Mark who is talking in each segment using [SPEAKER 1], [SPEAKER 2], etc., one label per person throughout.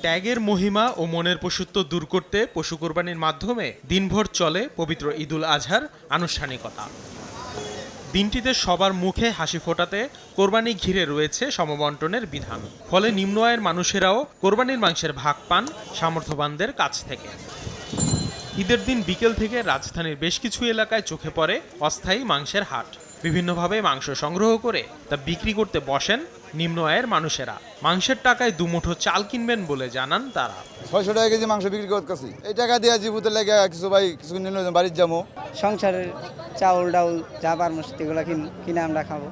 [SPEAKER 1] ত্যাগের মহিমা ও মনের পশুত্ব দূর করতে পশু কোরবানির মাধ্যমে দিনভর চলে পবিত্র ঈদুল আজহার আনুষ্ঠানিকতা। দিনটিতে সবার মুখে হাসি ফোটাতে কোরবানি ঘিরে রয়েছে সমবন্টনের বিধান। ফলে নিম্ন আয়ের মানুষেরাও কোরবানির মাংসের ভাগ পান সামর্থ্যবানদের কাছ থেকে। ঈদের দিন বিকেল থেকে রাজধানীর বেশ কিছু এলাকায় চোখে পড়ে অস্থায়ী মাংসের হাট। বিভিন্নভাবে মাংস সংগ্রহ করে তা বিক্রি করতে বসেন নিম্ন আয়ের মানুষেরা। মাংসের টাকায় দুমুঠো চাল কিনবেন বলে জানান তারা।
[SPEAKER 2] 600 টাকা কেজি মাংস বিক্রি করতেছি। এই টাকা দিয়ে জীবুতের লেগে কিছু ভাই কিছু নিলে বাড়ির যাবো।
[SPEAKER 3] সংসারের চাউল ডাউল যা পারবো সেগুলো কিনে আমরা খাবো।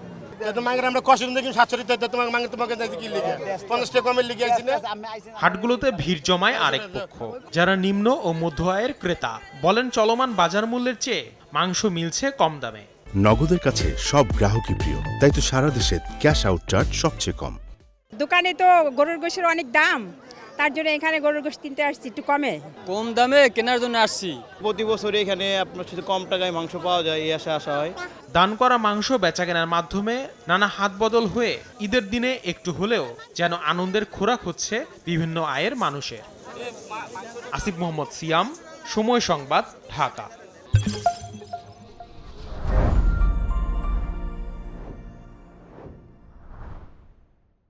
[SPEAKER 1] হাটগুলোতে ভিড় জমায় আরেক পক্ষ, যারা নিম্ন ও মধ্য আয়ের ক্রেতা। বলেন চলমান বাজার মূল্যের চেয়ে মাংস মিলছে কম দামে।
[SPEAKER 4] নগদের কাছে সব গ্রাহকই প্রিয়, তাই তো সারা দেশে ক্যাশ আউট চার্জ সবচেয়ে কম।
[SPEAKER 5] দোকানে তো গরুর গোশের অনেক দাম, তার জন্য এখানে গরুর গোশ কিনতে আসছি একটু
[SPEAKER 6] কম দামে কেনার জন্য আসছি।
[SPEAKER 7] প্রতি বছর এখানে আপনার সাথে কম টাকায় মাংস পাওয়া যায়, এই আশা হয়।
[SPEAKER 1] দান করা মাংস বেচাকেনার মাধ্যমে নানা হাত বদল হয়ে ঈদের দিনে একটু হলেও যেন আনন্দের খোরাক হচ্ছে বিভিন্ন আয়ের মানুষের। আসিফ মোহাম্মদ সিয়াম, সময় সংবাদ, ঢাকা।